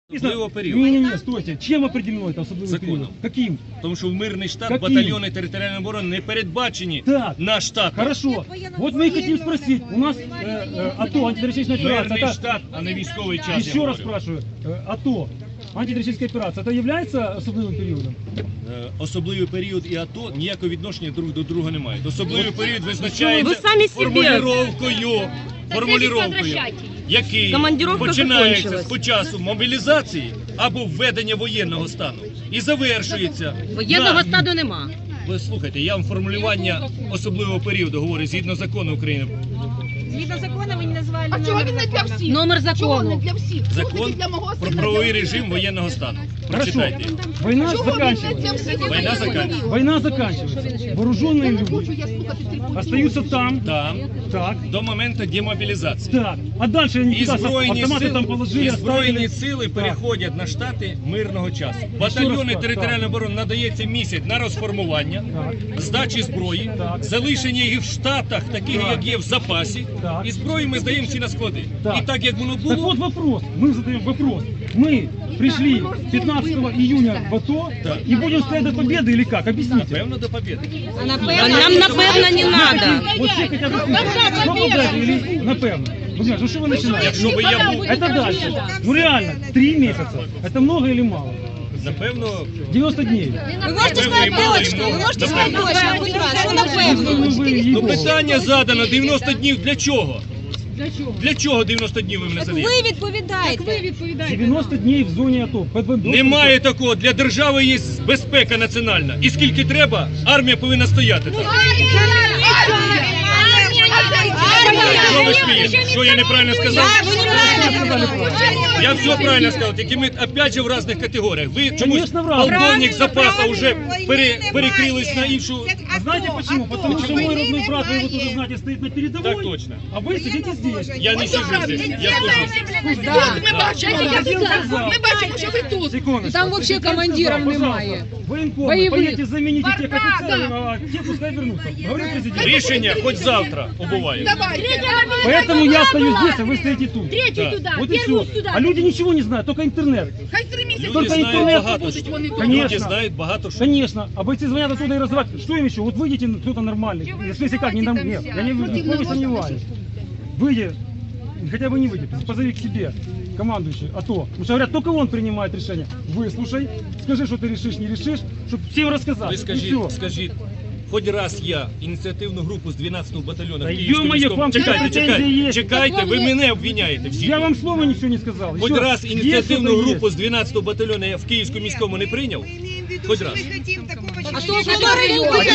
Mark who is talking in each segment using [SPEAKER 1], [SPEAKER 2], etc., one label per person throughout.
[SPEAKER 1] Особливого періоду.
[SPEAKER 2] Не, стойте. Чем определено это особливый
[SPEAKER 1] Законом.
[SPEAKER 2] период? Каким?
[SPEAKER 1] Тому що в мирний штат
[SPEAKER 2] Каким?
[SPEAKER 1] батальйони територіальної оборони не передбачені
[SPEAKER 2] Так.
[SPEAKER 1] на штат.
[SPEAKER 2] Хорошо. Вот мы и хотим спросить. У нас АТО, антитеррористическая операция.
[SPEAKER 1] Мирний
[SPEAKER 2] Это,
[SPEAKER 1] штат, а не військовий час.
[SPEAKER 2] еще
[SPEAKER 1] я
[SPEAKER 2] раз
[SPEAKER 1] говорю.
[SPEAKER 2] спрашиваю. АТО, антитеррористическая операция, это является особливым периодом?
[SPEAKER 1] Особливий період і АТО ніякого відношення друг до друга не мають. Особливий період визначається
[SPEAKER 3] Ви самі себе.
[SPEAKER 1] формулировкою, який
[SPEAKER 3] Командировка
[SPEAKER 1] починається
[SPEAKER 3] закончилась.
[SPEAKER 1] з часу мобілізації або введення воєнного стану і завершується.
[SPEAKER 3] Воєнного
[SPEAKER 1] на-
[SPEAKER 3] стану нема.
[SPEAKER 1] Ви слухайте, я вам формулювання особливого періоду говорю згідно закону України.
[SPEAKER 4] Згідно закону ви не назвали
[SPEAKER 5] А чого він не для всіх?
[SPEAKER 3] Номер
[SPEAKER 5] Чого не
[SPEAKER 3] закону.
[SPEAKER 5] для всіх? Чого
[SPEAKER 1] Закон
[SPEAKER 5] тільки для мого
[SPEAKER 1] про
[SPEAKER 5] сина,
[SPEAKER 1] правовий
[SPEAKER 5] для
[SPEAKER 1] режим
[SPEAKER 5] всіх?
[SPEAKER 1] воєнного стану.
[SPEAKER 2] Хорошо.
[SPEAKER 1] Прочитайте.
[SPEAKER 2] Война
[SPEAKER 5] Чого він не для
[SPEAKER 2] заканчивается.
[SPEAKER 5] всіх?
[SPEAKER 1] Війна заканчивается.
[SPEAKER 2] Война заканчивается. Вооруженные
[SPEAKER 5] Я не хочу,
[SPEAKER 2] люди
[SPEAKER 5] я слухати трипутні.
[SPEAKER 2] остаются там.
[SPEAKER 1] Там
[SPEAKER 2] Так.
[SPEAKER 1] до моменту демобілізації.
[SPEAKER 2] Так. А дальше они
[SPEAKER 1] І
[SPEAKER 2] туда
[SPEAKER 1] збройні
[SPEAKER 2] автоматы там положили,
[SPEAKER 1] сили
[SPEAKER 2] оставили.
[SPEAKER 1] переходять на штати мирного часу.
[SPEAKER 2] раз
[SPEAKER 1] Батальйони
[SPEAKER 2] так,
[SPEAKER 1] територіальної оборони надається місяць на розформування,
[SPEAKER 2] Так.
[SPEAKER 1] здачі зброї,
[SPEAKER 2] Так.
[SPEAKER 1] залишення їх в штатах, таких
[SPEAKER 2] Так.
[SPEAKER 1] як є в запасі,
[SPEAKER 2] Так.
[SPEAKER 1] і зброю ми здаємо всі на склади.
[SPEAKER 2] Так.
[SPEAKER 1] І так як воно
[SPEAKER 2] Так
[SPEAKER 1] було,
[SPEAKER 2] вот вопрос, мы задаем вопрос. Мы пришли 15 июня в АТО
[SPEAKER 1] Так.
[SPEAKER 2] и будем стоять до победы или как? Объясните.
[SPEAKER 1] певно до побєди.
[SPEAKER 3] А нам напевно не надо.
[SPEAKER 2] Вот все хотят до победы или напевно. Вы знаете, ну что вы начинаете?
[SPEAKER 1] Якщо би я був,
[SPEAKER 2] Это дальше. Ну реально, 3 месяца. Это много или мало?
[SPEAKER 1] напевно,
[SPEAKER 2] 90 дней.
[SPEAKER 4] Ви можете сказати точно, ви можете сказати точно, будь ласка, ну напевно.
[SPEAKER 1] ну питання задано 90 днів для чого? Для чого 90 днів ви мене задаєте?
[SPEAKER 4] Ви відповідаєте.
[SPEAKER 2] 90 дней в зоне АТО.
[SPEAKER 1] Немає такого. Для держави є безпека національна. І скільки треба, армія повинна стояти там. Що ви смієте? Що я неправильно сказав? Я все правильно сказав, тільки ми опять же в різних категоріях. Ви чомусь
[SPEAKER 2] Конечно, в разных.
[SPEAKER 1] полковник запаса вже перекрились на іншу.
[SPEAKER 2] А знаете почему? Потому что мой родной брат, вы его тоже знаете, стоит на передовой.
[SPEAKER 1] Так точно.
[SPEAKER 2] А вы сидите здесь.
[SPEAKER 1] Я не сижу здесь, я служу.
[SPEAKER 5] От ми бачимо, ми бачимо, що ви тут.
[SPEAKER 2] Секундочку.
[SPEAKER 6] Там вообще командиров немає.
[SPEAKER 2] Военкомы,
[SPEAKER 6] Боевых.
[SPEAKER 2] поедете заменить тех офицеров, а те пускай вернутся. Говорит президент.
[SPEAKER 1] Рішення хоч завтра обуває.
[SPEAKER 5] Давайте.
[SPEAKER 2] Поэтому я стою здесь, а вы стоите тут.
[SPEAKER 1] Так.
[SPEAKER 2] Вот и все. А люди ничего не знают, только интернет.
[SPEAKER 5] Хай 3 місяці.
[SPEAKER 1] Люди
[SPEAKER 2] Только
[SPEAKER 1] знають
[SPEAKER 2] интернет
[SPEAKER 1] багато
[SPEAKER 5] будуть
[SPEAKER 1] що.
[SPEAKER 5] вони тут.
[SPEAKER 2] Конечно.
[SPEAKER 1] Люди знають багато що.
[SPEAKER 2] Конечно. А бойцы звонят оттуда и разговаривают. Что им еще? Вот выйдите, кто-то нормальный. В смысле как? Не нам, нет. Я не сомневаюсь. Выйди, хотя бы не выйди, позови к себе командующий АТО. Потому что говорят, только он принимает решение. Выслушай, скажи, что ты решишь, не решишь, чтобы всем рассказать.
[SPEAKER 1] Ви
[SPEAKER 2] И
[SPEAKER 1] скажіть,
[SPEAKER 2] всё.
[SPEAKER 1] скажіть, хоч раз я ініціативну групу з 12-го батальйону
[SPEAKER 2] Та
[SPEAKER 1] Київського
[SPEAKER 2] ё-моё, к вам
[SPEAKER 1] чекайте,
[SPEAKER 2] претензії
[SPEAKER 1] чекайте,
[SPEAKER 2] є.
[SPEAKER 1] чекайте, ви мене обвиняєте всі.
[SPEAKER 2] Я вам слова ничего не сказал.
[SPEAKER 1] Хоч
[SPEAKER 2] Еще
[SPEAKER 1] раз
[SPEAKER 2] есть
[SPEAKER 1] ініціативну
[SPEAKER 2] что-то
[SPEAKER 1] групу
[SPEAKER 2] есть.
[SPEAKER 1] з 12-го батальйону я в Київському міському не прийняв? Хоч раз.
[SPEAKER 6] А то,
[SPEAKER 2] А теперь вопрос,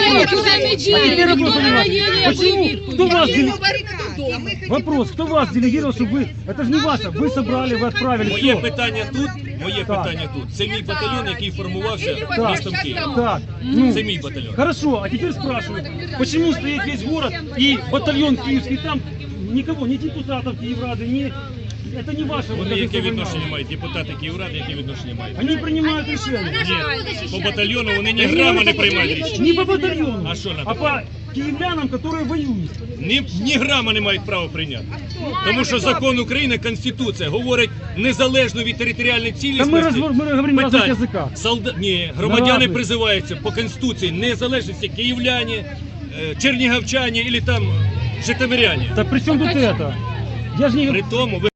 [SPEAKER 2] понимаете, почему, кто вас вопрос, кто вас делегировал, чтобы вы, это же не ваше, вы собрали, вы отправили,
[SPEAKER 1] Моє
[SPEAKER 2] все.
[SPEAKER 1] питання тут, питання тут. Це мій батальйон, який формувався містом Києва.
[SPEAKER 2] Так, ну,
[SPEAKER 1] Це мій батальйон.
[SPEAKER 2] хорошо, а теперь спрашиваю, почему стоит весь город и батальон киевский там, никого, ни депутатов Киеврады, ни... Это не ваше.
[SPEAKER 1] Вони
[SPEAKER 2] вот,
[SPEAKER 1] яке
[SPEAKER 2] как
[SPEAKER 1] відношення
[SPEAKER 2] война.
[SPEAKER 1] мають? Депутати Київради, яке відношення мають?
[SPEAKER 2] Они принимают решения.
[SPEAKER 1] Ні, по батальйону вони ні грама не приймають рішення.
[SPEAKER 2] Не по батальону,
[SPEAKER 1] А что надо?
[SPEAKER 2] а по киевлянам, которые воюют.
[SPEAKER 1] Ні грама не мають права прийняти. Тому що закон України, Конституція говорить незалежно від територіальної
[SPEAKER 2] Та
[SPEAKER 1] цілісності.
[SPEAKER 2] ми говоримо на різних язиках.
[SPEAKER 1] Ні, громадяни
[SPEAKER 2] разных.
[SPEAKER 1] призиваються по Конституції незалежності київляні, чернігівчані або там житомиряні.
[SPEAKER 2] Так при чем тут это? Я же не...
[SPEAKER 1] При тому ви